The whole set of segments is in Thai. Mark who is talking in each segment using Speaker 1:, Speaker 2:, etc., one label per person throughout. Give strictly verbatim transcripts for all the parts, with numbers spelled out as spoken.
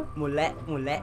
Speaker 1: หมุนและหมุนและ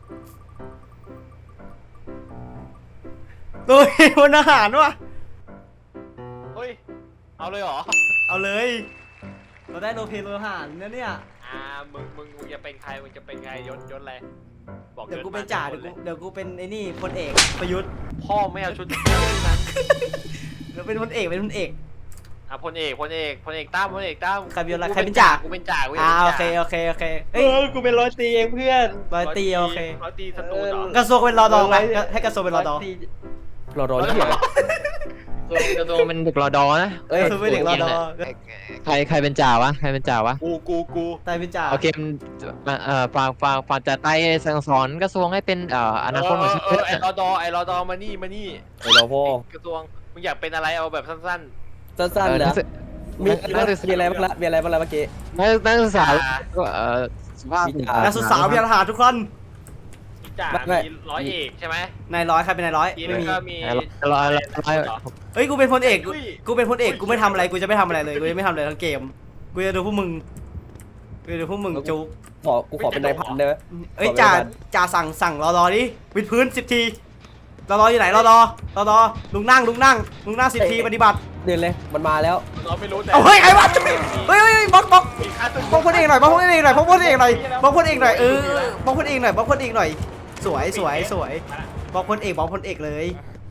Speaker 1: โดยพลทหารวะ
Speaker 2: เฮ้ยเอาเลยเหรอ
Speaker 1: เอาเลยเราได้โลเพโลทหารนะเนี่ย
Speaker 2: อ่ามึงมึงมึงจะเป็นใครมึงจะเป็นใครยศยศอะไรบอก
Speaker 1: เดี๋ยวกูเป็นจ่าเดี๋ยวกูเดี๋ยวกูเป็นไอ้นี่พลเอกประยุทธ์
Speaker 2: พ่อไม่เอาชุดนั้น
Speaker 1: เดี๋ยวเป็นพลเอกเป็นพลเอก
Speaker 2: อ่ะพลเอกพลเอกพลเอกตั้มพลเอกตั้ม
Speaker 1: ใครเป็นอะไรใครเป็นจ่า
Speaker 2: กูเป็นจ่ากูเป็น
Speaker 1: อ่า
Speaker 2: จ่า
Speaker 1: โอเคโอเคโอเคเฮ้ย
Speaker 3: กูเป็นร้อยตีเองเพื่อน
Speaker 1: ร้อยตีโอเค
Speaker 2: ร้อยตีสตูนเหรอก
Speaker 1: ระทรวงเป็นรอดอไหมให้กระทรวงเป็นรอดอ
Speaker 3: รอดอที่ไหน
Speaker 4: ตัวตัวเป็นเด็กรอดอนะ
Speaker 1: เอ้ยกระทรวงเป็นเด็กรอดอ
Speaker 4: ใครใครเป็นจ่าวะใครเป็นจ่าวะ
Speaker 2: กูกูกู
Speaker 1: ตายเป็นจ่า
Speaker 4: โอเคมันเอ่อฝากฝากฝากจะไต่สั่งสอนกระทรวงให้เป็นเอ่ออนาคตของชา
Speaker 2: เออ
Speaker 4: ติ
Speaker 2: ไอ้รอดอไอ้รอดอมานี่มานี่
Speaker 3: ไอ้รอพ่อก
Speaker 2: ระทรวงมึงอยากเป็นอะไรเอาแบบสั้น
Speaker 3: สั้นๆนะมี
Speaker 4: นักศึกษา
Speaker 3: มีอะไรบ้างละมีอะไรบ้างละเมื่อกี้
Speaker 4: นักศึกษาเอ่อสุภาพ
Speaker 1: นักศึกษาวิทยาทหารทุกคน
Speaker 2: ๆมีจ่า
Speaker 3: ไม่
Speaker 2: มีร้อยเอกใช่ไหม
Speaker 1: นายร้อยใครเป็นนายร้อย
Speaker 2: ที
Speaker 1: ไม่
Speaker 2: แล้ว
Speaker 1: มี
Speaker 2: ก็มี
Speaker 4: ร้อยร้อยร้อย
Speaker 1: เฮ้ยกูเป็นพลเอกกู
Speaker 2: อุ้ย
Speaker 1: กูเป็นพลเอกกูไม่ทำอะไรกูจะไม่ทำอะไรเลยกูจะไม่ทำอะไรทั้งเกมกูจะดูพวกมึงกูจะดูพวกมึงจุก
Speaker 3: ขอกูขอเป็นนายพันได้ไหม
Speaker 1: เอ้ยจ่าจ่าสั่งสั่งรอรอดิวิดพื้นสิบทีรอรออยู่ไหนรอรอรอรอลุงนั่งลุงนั่งลุงนั่งสิบทีปฏิบัติ
Speaker 3: เดินเลยมันมาแล้ว
Speaker 2: เราไม่รู้แต่
Speaker 1: เอาเฮ้ยไอ้วะเฮ้ยเฮ้ยบล็อกบล็อก
Speaker 2: มีค่าตึก
Speaker 1: บล็อกพลเอกหน่อยบล็อกพลเอกหน่อยบล็อกพลเอกหน่อยบล็อกพลเอกหน่อยเออบล็อกพลเอกหน่อยบล็อกพลเอกหน่อยสวยสวยสวยบล็อกพลเอกบล็อกพลเอกเลย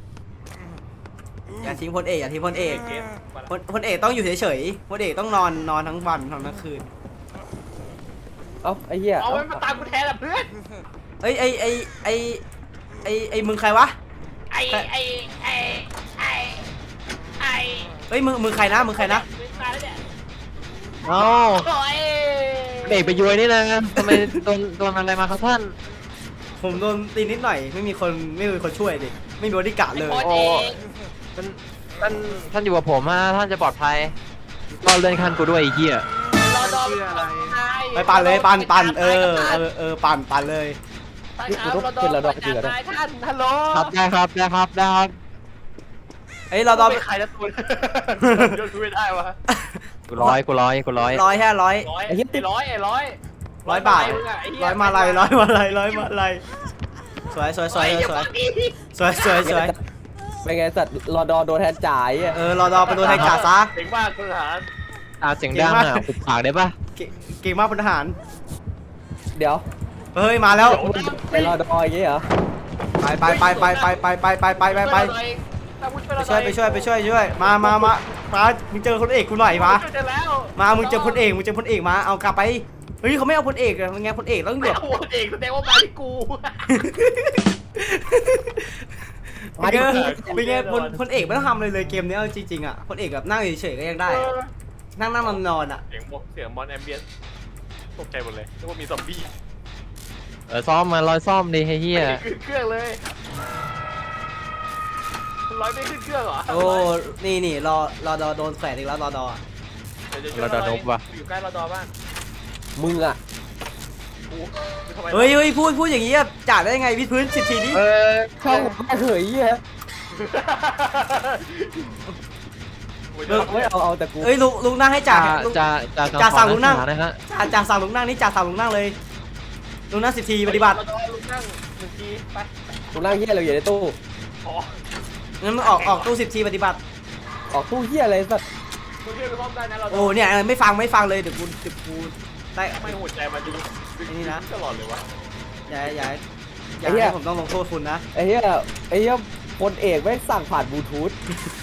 Speaker 1: อย่าทิ้งพลเอกอย่าทิ้งพลเอก
Speaker 2: เกม
Speaker 1: พลพลเอกต้องอยู่เฉยๆพลเอกต้องนอนนอนทั้งวันทั้งคืน
Speaker 3: เอ้าไอ้เหี้ย
Speaker 2: เอาไว้มาตามกูแทนละเพื่อน
Speaker 1: เอ้ยไอไอไอไอไอมึงใครวะ
Speaker 2: ไอ้ไอ้ไอ้ไอ้ไอ้
Speaker 1: เอ้ยมึงมึงใครนะมึงใครนะ
Speaker 2: ไม่ตายแล้วเนี่ย
Speaker 4: เอ้า
Speaker 2: โอ้ย
Speaker 4: เด็กไปยุยนี่นะทำไมโดนโดนอะไรมาครับท่าน
Speaker 1: ผมโดนตีนิดหน่อยไม่มีคนไม่มีคนช่วยดิไม่มีบริการเลย
Speaker 2: โอ้
Speaker 4: โอ้
Speaker 2: ย
Speaker 4: ท่านท่านท่านอยู่กับผมฮะท่านจะปลอดภัยก็เลื่อนขั้นกูด้วยไอ้เหี้ย
Speaker 2: รอดอม
Speaker 1: ไปปั่นเลยปั่นปั่นเออเออเออปั่นปั่นเลย
Speaker 3: นี่กูต้องเป็นรอดอจริงเหรอ
Speaker 2: ท่านฮัลโหล
Speaker 4: ครับได้ครับได้ครับได้ครับ
Speaker 1: เอ้ยเราต้อง
Speaker 2: เป็นใครนะตัวยศกูไม่ได้วะ
Speaker 4: กูร้อยกูร้อยกูร้อย
Speaker 1: ร้อยแค่ร้อย
Speaker 2: ร้อยไอ้ร้อยไอ้ร้อย
Speaker 1: ร้อยบาทร้อยมาลายร้อยมาลายร้อยมาลายสวยสวยสวยสวยสวยสวยสวย
Speaker 3: เป็นไงสัตว์รอดอโดนแทนจ่ายอ่ะ
Speaker 1: เออรอดอไปโดนแทงจ่าซะ
Speaker 2: เก่งมากคุณทหาร
Speaker 4: อ่าเสียงดังอ่ะปิดปากได้ปะ
Speaker 1: เก่งเก่งมากพลทหาร
Speaker 3: เดี๋ยว
Speaker 1: เฮ้ยมาแล้ว
Speaker 3: ไปรอดออย่างงี้เหรอ
Speaker 1: ไปไปไปไปไปไปไปไปไปไปไปไปช่วยไปช่วยไปช่วยช่วยมามามามามึงเจอคนเอกกูหน่อยมา
Speaker 2: ช่วยแล้ว
Speaker 1: มามึงเจอพลเอกมึงเจอพลเอกมาเอากลับไปเฮ้ยเขาไม่เอาพลเอกอะมันไงพลเอกต้อง
Speaker 2: ไม่
Speaker 1: แบบ
Speaker 2: เอาเองแสดงว่ามาที่กู
Speaker 1: มาดิเป็นไงพลพลเอกไม่ต้องทำอะไรเลยเกมนี้เอาจริงๆอ่ะพลเอกแบบนั่งเฉยๆก็ยังได้อะนั่งนั่งนอนนอนอ่ะ
Speaker 2: เสียงเสียงมอนแอมเบียนตกใจหมดเลยนึกว่ามีซอมบี้
Speaker 4: เออซ่อมมาลอยซ่อมดิไอ้เหี้ย
Speaker 2: ขึ้นเครื่องเลยร้อยไม่ขึ้นเครื่องเหรอ
Speaker 1: โอ้นี่นี่รอรอดอโดนแขวนอีกแล้วรอดอ
Speaker 4: เราดานบว่ะ
Speaker 2: อยู่ใกล้รอดอบ้าง
Speaker 3: มึงอ่ะ
Speaker 2: กูทำไม
Speaker 1: เฮ้ยเฮ้ยพูดพูดอย่างนี้อะจ่าได้ไงวิดพื้นสิบทีนี้
Speaker 4: เออ
Speaker 3: เข้าแค่เหยเหี้ยไม่เอาเอาแต่กู
Speaker 1: เฮ้ยลุงลุงนั่งให้จ่า
Speaker 4: จ่า
Speaker 1: ลุง
Speaker 4: จ่าจ่า
Speaker 1: จ่าสั่งลูกนั่ง
Speaker 4: นะฮะ
Speaker 1: จ่าจ่าสั่งลุงนั่งนี่จ่าสั่งลุงนั่งเลยลุงนั่งสิบทีปฏิบัติ
Speaker 2: รอดอลุกนั่งหนึ่งทีไป
Speaker 3: กูนั่งเหี้ยเราอยู่ในตู้
Speaker 2: ขอ
Speaker 1: งั้นมึงออกออกตู้สิบทีปฏิบัติ
Speaker 3: ออกตู้เหี้ยอะไรสัตว์
Speaker 2: มึงเรียกกูรอบได้นะรอดอ
Speaker 1: โอ้เนี่ยไม่ฟังไม่ฟังเลยเดี๋ยวกูเดี๋ยวกูได้
Speaker 2: ทำไมหัวใจมันดู
Speaker 1: นี่นะ
Speaker 2: ตลอดเลยวะ
Speaker 1: อย่าอย่าอย่าให้ผมต้องลงโทษคุณนะ
Speaker 3: ไอ้เหี้ยไอ้เหี้ยพลเอกไม่สั่งผ่านบลูทูธ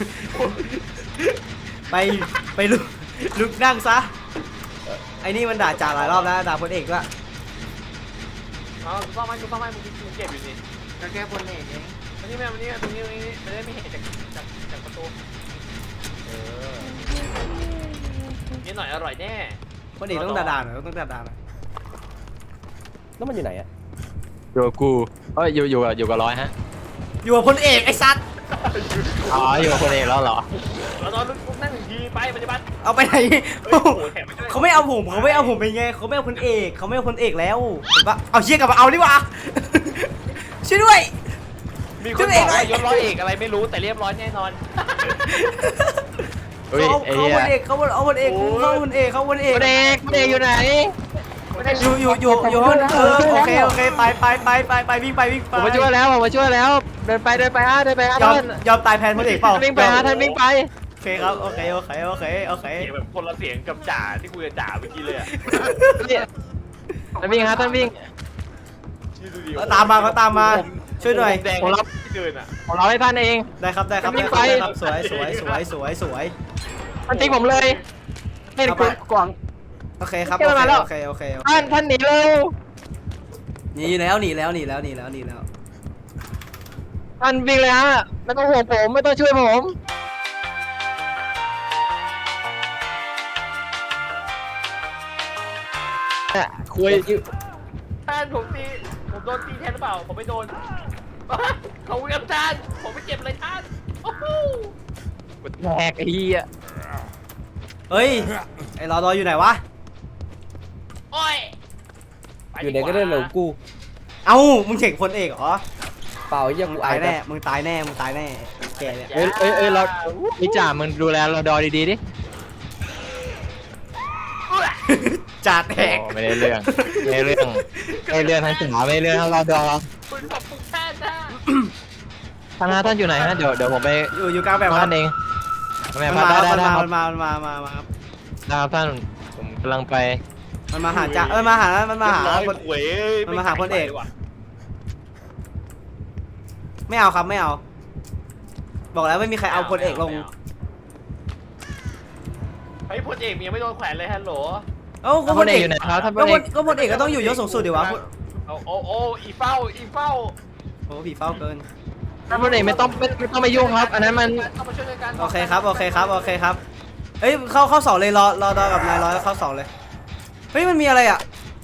Speaker 1: ไปไปลุกลุกนั่งซะไอ้นี่มันด่าจ่าหลายรอบแล้วด่าพลเอกด้วย
Speaker 2: เอากูซ่อมให้กูซ่อมให้มึงเก็บอยู่นี่
Speaker 1: ก็แค่พลเอกเอง
Speaker 2: มันนี่แม่มันนี่ตรงนี้ตรงนี้มันได้ไม่เห็นจากจากจากประตูเออนี่หน่อยอร่อยแน่
Speaker 1: พลเอกต้องด่าด่าหน่อยต้องด่าด่าหน่อย
Speaker 3: แล้วมันอยู่ไหนอ่ะ
Speaker 4: อยู่กับกูเอ้ยอยู่อยู่กับอยู่กับร้อยฮะ
Speaker 1: อยู่กับพลเอกไอ้สัตว์
Speaker 4: อ๋ออยู่กับคนเอกแล้วเหรอ
Speaker 2: เราตอนลุกนั่งหนึ่งทีไปปฏิบัติ
Speaker 1: เอาไปไหน
Speaker 2: โอ้โหแถมไม่ได้
Speaker 1: เขาไม่เอาผมเขาไม่เอาผมเป็นไงเขาไม่เอาพลเอกเขาไม่เอาพลเอกแล้วผมว่าเอาเชี่ยกลับมาเอาดิวะ ช่วยด้วย
Speaker 2: มีคนบอกว่ายศร้อยเอกอะไรไม่รู้แต่เรียบร้อยแน่นอน
Speaker 4: เฮ้ย
Speaker 1: เขา
Speaker 4: ไอ้
Speaker 1: เขา
Speaker 4: เหี้
Speaker 1: พ
Speaker 4: ย
Speaker 1: ลเอกเขาเอาพลเอกเขาพลเอกเขาพลเอก
Speaker 4: คนเอกคนเอกอยู่ไหน
Speaker 1: พ
Speaker 2: ไม่ได้
Speaker 1: อยู่อยู่อยู่อยู่ห้องเออโอเคโอเคไปไปไปไปไปวิ่งไปวิ่งไป
Speaker 4: ผมมาช่วยแล้วผมมาช่วยแล้ว เดินไปเดินไปฮะเดินไปฮะ
Speaker 1: ยอม
Speaker 4: ท่าน
Speaker 1: ยอมตายแทนพลเอกเปล่า
Speaker 4: ท่านวิ่งไปฮะท่านวิ่งไป
Speaker 1: โอเคครับโอเคโอเคโอเคโอเค
Speaker 2: เสียงแบบคนละเสียงกับจ่าที่คุยกับจ่าเมื่อกี้เลยอะ
Speaker 4: เนี่ยท่านวิ่งฮะท่านวิ่ง
Speaker 2: ชื่อดูดิ
Speaker 1: เอาตามมาเขาตามมาช่วยหน่อย
Speaker 2: แดง
Speaker 4: ผมรับ
Speaker 2: ที่เดินอ่ะ
Speaker 4: ผมรอให้ท่านเอง
Speaker 1: ได้ครับได้ครับ
Speaker 4: วิ่
Speaker 1: ได้
Speaker 4: ง
Speaker 1: ครับ
Speaker 4: ไป
Speaker 1: ได้ครับสวยสวยสวยสวยสวย
Speaker 4: ท่านทิ้งผมเลยเห็นกูกวาง
Speaker 1: โอเคครับ
Speaker 4: เก็
Speaker 1: โอบ
Speaker 4: มา
Speaker 1: เค
Speaker 4: แล้ว
Speaker 1: โอเคโอเคโอเค
Speaker 4: ท่านท่านหนีเร็ว
Speaker 1: หนีแล้วหนีแล้วหนีแล้วหนีแล้วหนีแล้ว
Speaker 4: ท่านวิ่งเลยฮะไม่ต้องห่วงผมไม่ต้องช่วยผมเนี่ยคุย
Speaker 2: แทนผมตีผมโดนตีแทนหรือเปล่าผมไม่โดนเขาวิ่งกับจานผมไม่เจ็บเลยท่านโอ้โห
Speaker 4: แหกไอ้เหี้ย
Speaker 1: เฮ้ยไอ้รอดออยู่ไหนวะ
Speaker 2: โอ้ยป
Speaker 3: อยู่ไหนก็ได้เหลวกู
Speaker 1: เอ้ามึงเฉกพลเอกเหรอ
Speaker 3: เปล่าไอ้เหี้ยัง
Speaker 1: มึ
Speaker 3: กู
Speaker 1: ง
Speaker 3: อา
Speaker 1: ตาย ย
Speaker 3: แน่
Speaker 1: แน่มึงตายแน่มึงตายแน่แกเนี่ย
Speaker 4: เอ้ยเอ้ยเอ้ยเราพี่จ่ามึงดูแลเราดอดีๆดิ
Speaker 1: จัดแหก
Speaker 4: โอ้ไม่ได้เรื่องไม่ได้เรื่องไม่ได้เรื่องทั้งจ๋าไม่ได้เรื่องทั้งเราดอ
Speaker 2: คุณขอบคุณแทนนะ
Speaker 4: ท่านฮะท่านอยู่ไหนฮะเดี๋ยวเดี๋ยวผมไป
Speaker 1: อยู่อยู่กลางแบบ
Speaker 4: ท่านเอง
Speaker 1: มั
Speaker 4: แม่
Speaker 1: น
Speaker 4: พั
Speaker 1: มา
Speaker 4: ดได้
Speaker 1: มัน
Speaker 4: ได้
Speaker 1: มา
Speaker 4: ครั
Speaker 1: มั
Speaker 4: บ
Speaker 1: นมามันมามามาครับ
Speaker 4: ได้ครับท่านผมกำลังไป
Speaker 1: มันมาหาจ่าเออมาหามันมาหา
Speaker 2: ร้อย
Speaker 1: คน
Speaker 2: หวย
Speaker 1: มันมาหาพลเอก
Speaker 2: ไว่ะ
Speaker 1: ไม่เอาครับไม่เอา บอกแล้วไม่มีใครเอาพลเอกลง
Speaker 2: เฮ้ยพลเอกยังไม่โดนแขวนเลยฮัลโหล
Speaker 1: เอ้าก็
Speaker 4: ท่าน
Speaker 1: พ
Speaker 4: พ
Speaker 1: ล
Speaker 4: ล
Speaker 1: เอ
Speaker 4: เอก กอยู่ไหนครับท่านพ
Speaker 1: ก็
Speaker 4: ล
Speaker 1: พ
Speaker 4: เอ
Speaker 1: ล
Speaker 4: ก
Speaker 1: ก็พลเอกก็ต้องอยู่ยศสูงสุดดิวะ
Speaker 2: เอาโอ้โอ้อีเฝ้าอีเฝ้า
Speaker 1: โอ้ผีเฝ้าเกิน
Speaker 4: ท่านพลเอกไม่ต้องไม่ไม่ต้องไปยุ่งครับ อันนั้นมัน
Speaker 2: เข้ามาช่วยกัน
Speaker 1: โอเคครับโอเคครับโอเคครับเฮ้ยเข้าเข้าสองเลยรอรอดอกับนายร้อยเข้าสองเลยเฮ้ยมันมีอะไรอ่ะ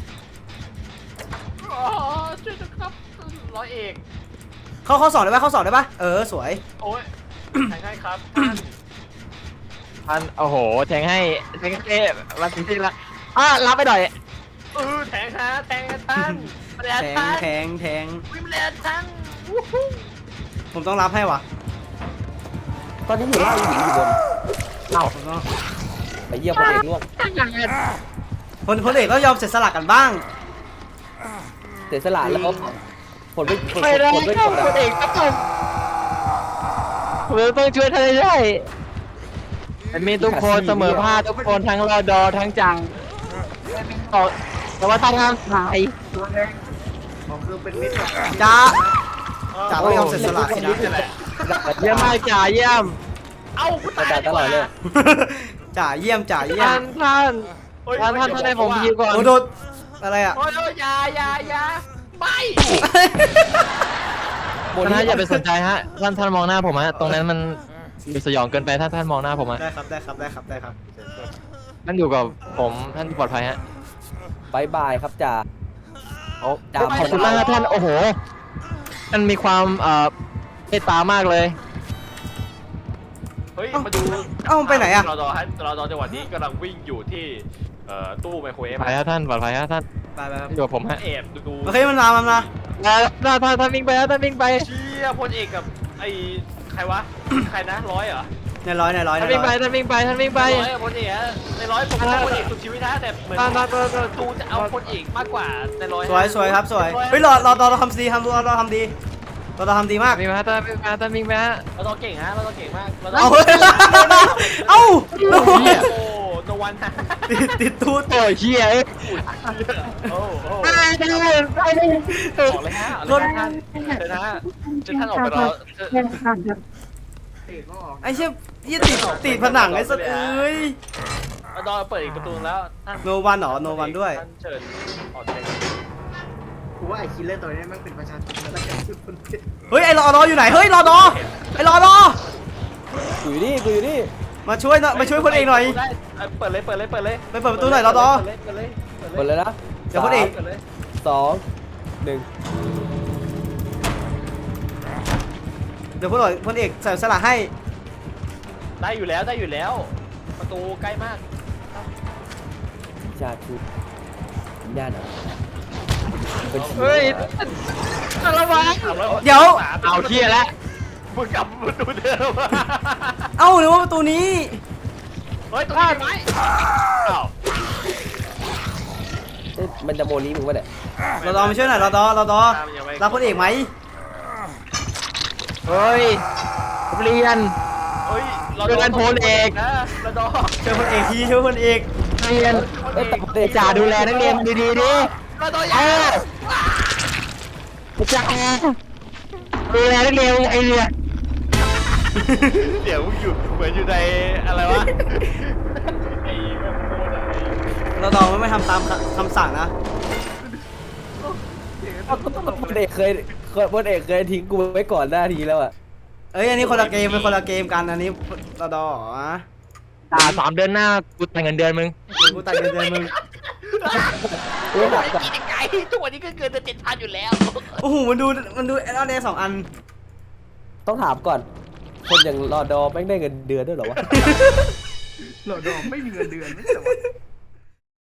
Speaker 2: อ๋อช่วยด้วยครับร้อยเอก
Speaker 1: เข้าเข้าสองได้ปะเข้าสองได้ปะเออสวย
Speaker 2: โอ้ยใช่ครับท่าน
Speaker 4: ท่านโอ้โหแทงให้แทงให้มาถึงที่ละอ่ะรับไปหน่อย
Speaker 2: เออแทงฮะแทงกันท่านมาแล้ว
Speaker 1: แทง
Speaker 2: ท่าน
Speaker 1: แทงแทง
Speaker 2: วิ่งมาแล้วท่านวู้ฮู้
Speaker 1: ผมต้องรับให้วะ
Speaker 3: ตอนนี้อยู่ล่างอยู่อยู่บน
Speaker 4: เอ้า
Speaker 1: ผมต้อง
Speaker 3: ไอ้เหี้ยพลเอกล่วง
Speaker 1: พลพลเอกต้องยอมเสียสละกันบ้าง
Speaker 3: เสียสละแล้วผลไม่ผล
Speaker 4: ไม่ได้
Speaker 3: ผลไม่
Speaker 4: ค
Speaker 3: ผ
Speaker 4: รับ
Speaker 3: ล
Speaker 4: พลเอกครับผมผมต้องช่วยท่านให้ได้มีทุกคนเสมอภาคทุกคนทั้งรอดอทั้งจังแต่ว่าท่านห้ามถ่าย
Speaker 1: จ้าจ้าต้องยอมเสียสละสินะ
Speaker 2: นี่แหละ
Speaker 4: เยี่ยมมากจ่าเยี่ยม
Speaker 2: เอ้าคุณ
Speaker 3: กระ
Speaker 2: ตาย
Speaker 3: ดาษตลอดเลย
Speaker 1: จ่าเยี่ยมจ่าเยี่ย
Speaker 4: ท่าม นท่านท่านท่านท่านให้ผมยิวก่อน
Speaker 1: โอ้โดนอะไรอ่ะ
Speaker 2: โอ้ยโอ้ยอยาอยาอยาไม่
Speaker 4: ท่านอย่าไปสนใจฮะท่านท่านมองหน้าผมฮะตรงนั้นมันสยองเกินไปท่านท่านมองหน้าผมฮะ
Speaker 1: ได้ครับได้ครับได้ครับได้ครับ
Speaker 4: ท่านอยู่กับผมท่านปลอดภัยฮะ
Speaker 3: บายบายครับจ่า
Speaker 4: โอ้
Speaker 3: จ่า
Speaker 4: ขอบคุณมากครับท่านโอ้โหมันมีความเอ่อเมตตามากเลย
Speaker 2: เฮ้ยมาดู
Speaker 1: เอ้ามันไปไหนอ่ะ
Speaker 2: รอดอฮะรอดอจังหวะนี้กำลังวิ่งอยู่ที่เอ่อตู้ไมโครเวฟ
Speaker 4: ปลอดภัยฮะท่านปลอดภัยฮะท่าน
Speaker 1: ไปไปครับ
Speaker 4: อยู่กับผมฮะ
Speaker 2: แอบดู
Speaker 1: โอเคมันมามันมา
Speaker 4: ท่านท่านท่านวิ่งไปฮะท่านวิ่งไป
Speaker 2: เชี่ยพลเอกกับไอ้ใครวะ ใครนะร้อยเหรอ
Speaker 1: ในร้อยในร้อยใน
Speaker 4: ท่านวิ่งไป
Speaker 1: ร้อย
Speaker 4: ท่านวิ่งไปท่านวิ่งไป
Speaker 2: ร้อยกับพลเอกอะในร้อยผมเป็นพลเอกสุดชีวิตนะแต่เหมือน
Speaker 4: ท่านท่านท่านท่าน
Speaker 2: ตูจะเอาพลเอกมากกว่าในร้อย
Speaker 1: สวยสวยครับสวยเฮ้ยรอรอรอรอทำดีทำรอรอทำดีรอรอทำดีมาก
Speaker 4: วิ่งมาท่านวิ่งมาท่านวิ่งไปฮะ
Speaker 2: เราต้องเก่งฮะเราต้องเก่งมากเรา
Speaker 1: เอา
Speaker 2: ต้อง
Speaker 1: เอ้า
Speaker 2: โอ้โนวันฮะ
Speaker 1: ติดติดตูด
Speaker 4: โอ้ยเชี่ยเอ้ย
Speaker 2: โอ้โห
Speaker 4: ได้ได้ได้ได้
Speaker 2: ออกเลยฮะออกเลยฮะท่านเชิญนะฮะเชิญท่านออกไปรอเชิญ
Speaker 1: ไอ้เชี่ยยี่ติดติดผนังไอ้สัสเอ้ย
Speaker 2: เอาดอเปิดอีกประตูแล้วท่าน
Speaker 1: โนวันเหรอโนวันด้วย
Speaker 2: ท่านเชิญออกไป
Speaker 5: กูว่าไอ้คิลเลอร์ตัวนี้มันเป็นประชาชนแล้วก็คือคนผิด
Speaker 1: เฮ้ยไอ้รอรออยู่ไหนเฮ้ยรอรอไอ้รอรอ
Speaker 3: กูอยู่นี่กูอยู่นี่
Speaker 1: มาช่วยหน่อยมาช่วยพลเอกหน่อย
Speaker 2: ได้เปิดเลยเปิดเลยเปิดเลย
Speaker 1: ไปเปิดประตูหน่อยรอรอ
Speaker 2: เปิดเลยเปิดเลย
Speaker 3: หมดเลยนะ
Speaker 1: เดี๋ยวพลเอก
Speaker 2: เปิดเลย
Speaker 3: สองหนึ่ง
Speaker 1: เดี๋ยวพลเอกพลเอกใส่สละให้
Speaker 2: ได้อยู่แล้วได้อยู่แล้ว ประตูใกล้มาก
Speaker 3: ชาชูย่าหน่อยเป็นชี
Speaker 4: เฮ้ย
Speaker 3: วิต
Speaker 4: อะไรวะ
Speaker 1: เดี๋ยว
Speaker 4: เอาเที่ยแล้ว
Speaker 2: มึงกลับประตูเดิม
Speaker 1: เอ้าหรือว่าประตูนี้
Speaker 2: เฮ้ยตรงนี้ไหมอ้าว
Speaker 3: เอ้ยมันจะโมลีมึงวะเนี่ย
Speaker 1: เราดอมาช่วยหน่อยเราดอเราดอ
Speaker 2: ตามยังไง
Speaker 1: รับพลเอกไหม
Speaker 4: เฮ้ยเรียน
Speaker 2: เฮ้ยเรา
Speaker 4: เดินโพลเอก
Speaker 2: นะเราดอ
Speaker 1: ช่วยพลเอกทีช่วยพลเอก
Speaker 4: เรียน
Speaker 3: เอ้ยแต่พลเอก
Speaker 4: จ่าดูแลนักเรียนดีๆดิ
Speaker 2: เราดอ
Speaker 4: เออจ่าดูแลนักเรียนไอเรียน
Speaker 2: เดี๋ยวมึงอยู่เหมือนอยู่ในอะไรวะไอ้แบบโคตรอะไร
Speaker 1: เราดอไม่ทำตามคำสั่งนะ
Speaker 3: พลเอกเคยเคยพลเอกเคยทิ้งกูไว้ก่อนหน้าทีแล้วอ่ะ
Speaker 1: เอ้ยอันนี้คนละเกมเป็นคนละเกมกันอันนี้เราดอเหรอ
Speaker 4: จ่าสามเดือนหน้ากูแต่งเงินเดือนมึง
Speaker 1: กูตัดเงินเดือนมึง
Speaker 3: เอ้ยหนักก่อน
Speaker 2: กินไก่ทุกวันนี้ก็เกินจะเจ็ดพันอยู่แล้ว
Speaker 1: โอ้โหมันดูมันดูแอลเดสองอัน
Speaker 3: ต้องถามก่อน คนอย่างรอดอแม่งได้เงินเดือนด้วยเหรอวะ
Speaker 5: หลอดดอมไม่มีเงินเดือนไม่ใช่เหรอวะ